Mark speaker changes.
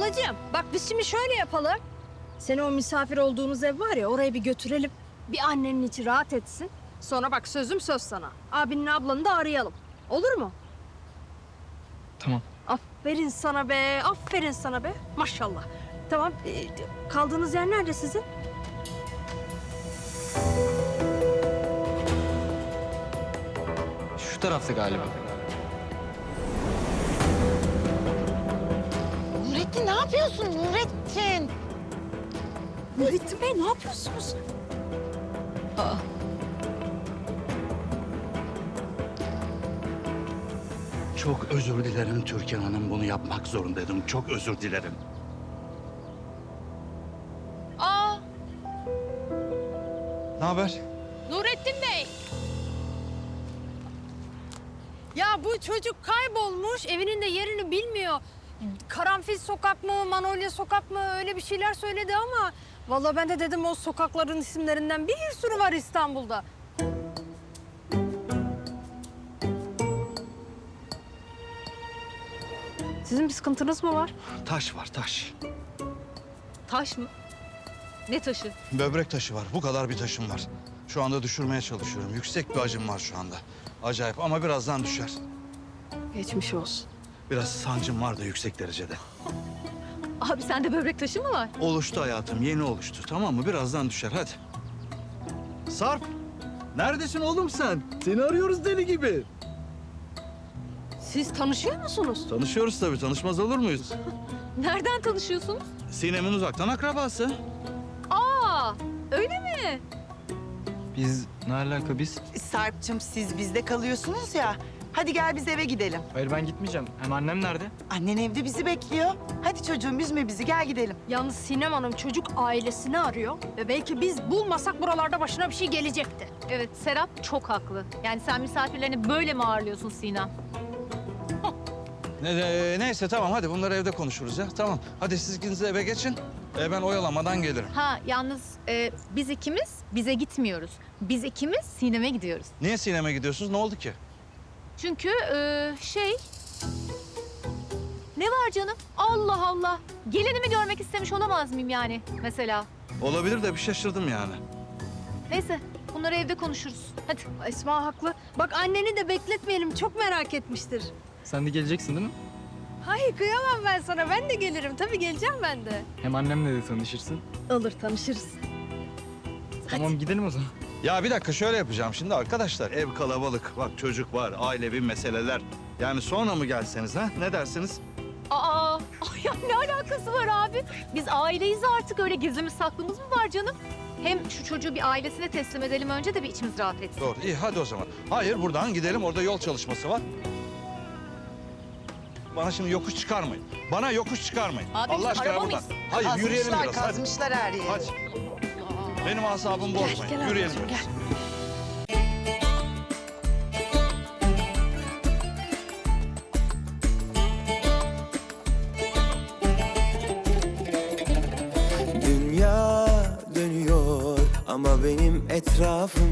Speaker 1: Ablacığım bak biz şimdi şöyle yapalım. Seni o misafir olduğumuz ev var ya oraya bir götürelim. Bir annenin içi rahat etsin. Sonra bak sözüm söz sana. Abinin ablanı da arayalım. Olur mu?
Speaker 2: Tamam.
Speaker 1: Aferin sana be. Aferin sana be. Maşallah. Tamam. Kaldığınız yer nerede sizin?
Speaker 2: Şu tarafta galiba.
Speaker 3: Nurettin ne yapıyorsun Nurettin?
Speaker 1: Nurettin Bey ne yapıyorsunuz?
Speaker 4: Çok özür dilerim Türkan Hanım. Bunu yapmak zorundaydım. Çok özür dilerim.
Speaker 1: Aa,
Speaker 2: Ne haber?
Speaker 1: Nurettin Bey. Ya bu çocuk kaybolmuş. Evinin de yerini bilmiyor. Karanfil sokak mı, Manolya sokak mı öyle bir şeyler söyledi ama... Vallahi ben de dedim o sokakların isimlerinden bir sürü var İstanbul'da. Sizin bir sıkıntınız mı var?
Speaker 4: Taş var, taş.
Speaker 1: Taş mı? Ne taşı?
Speaker 4: Böbrek taşı var. Bu kadar bir taşım var. Şu anda düşürmeye çalışıyorum. Yüksek bir acım var şu anda. Acayip ama birazdan düşer.
Speaker 1: Geçmiş olsun.
Speaker 4: Biraz sancım var da yüksek derecede.
Speaker 1: Abi sende böbrek taşı mı var?
Speaker 4: Oluştu hayatım, yeni oluştu. Tamam mı? Birazdan düşer. Hadi. Sarp, neredesin oğlum sen? Seni arıyoruz deli gibi.
Speaker 1: Siz tanışıyor musunuz?
Speaker 4: Tanışıyoruz tabii. Tanışmaz olur muyuz?
Speaker 1: Nereden tanışıyorsunuz?
Speaker 4: Sinem'in uzaktan akrabası.
Speaker 1: Aa, öyle mi?
Speaker 2: Biz ne alaka biz?
Speaker 3: Sarp'cığım siz bizde kalıyorsunuz ya. Hadi gel biz eve gidelim.
Speaker 2: Hayır ben gitmeyeceğim. Hem annem nerede?
Speaker 3: Annen evde bizi bekliyor. Hadi çocuğum üzme bizi gel gidelim.
Speaker 1: Yalnız Sinem Hanım çocuk ailesini arıyor ve belki biz bulmasak buralarda başına bir şey gelecekti.
Speaker 5: Evet, Serap çok haklı. Yani sen misafirlerini böyle mi ağırlıyorsun Sinem?
Speaker 4: Neyse tamam hadi bunları evde konuşuruz ya. Tamam. Hadi siz ikiniz de eve geçin. Ben oyalamadan gelirim.
Speaker 5: Ha, yalnız biz ikimiz bize gitmiyoruz. Biz ikimiz Sinem'e gidiyoruz.
Speaker 4: Niye Sinem'e gidiyorsunuz? Ne oldu ki?
Speaker 5: Çünkü Ne var canım? Allah Allah. Gelinimi görmek istemiş olamaz mıyım yani mesela?
Speaker 4: Olabilir de bir şaşırdım yani.
Speaker 5: Neyse, bunları evde konuşuruz. Hadi.
Speaker 1: Esma haklı. Bak anneni de bekletmeyelim çok merak etmiştir.
Speaker 2: Sen de geleceksin değil mi?
Speaker 1: Hayır kıyamam ben sana ben de gelirim tabii geleceğim ben de.
Speaker 2: Hem annemle de tanışırsın.
Speaker 1: Olur tanışırız.
Speaker 2: Tamam gidelim o zaman.
Speaker 4: Ya bir dakika şöyle yapacağım şimdi arkadaşlar. Ev kalabalık. Bak çocuk var, ailevi meseleler. Yani sonra mı gelseniz ha? Ne dersiniz?
Speaker 5: Aa, ay ya ne alakası var abi? Biz aileyiz artık. Öyle gizlimiz saklımız mı var canım? Hem şu çocuğu bir ailesine teslim edelim önce de bir içimiz rahat etsin.
Speaker 4: Doğru. İyi hadi o zaman. Hayır buradan gidelim. Orada yol çalışması var. Bana şimdi yokuş çıkarmayın. Bana yokuş çıkarmayın.
Speaker 5: Abi, biz
Speaker 4: Allah aşkına
Speaker 5: araba
Speaker 4: buradan.
Speaker 5: mıyız?
Speaker 4: Hayır yürüyelim
Speaker 3: Kazmışlar,
Speaker 4: biraz. Hadi.
Speaker 3: kazmışlar her yeri.
Speaker 4: Hadi. Benim asabımı bozmayın.
Speaker 1: gel
Speaker 4: Yürüyelim
Speaker 1: ablacığım,
Speaker 4: biraz.
Speaker 6: Dünya dönüyor ama benim etrafım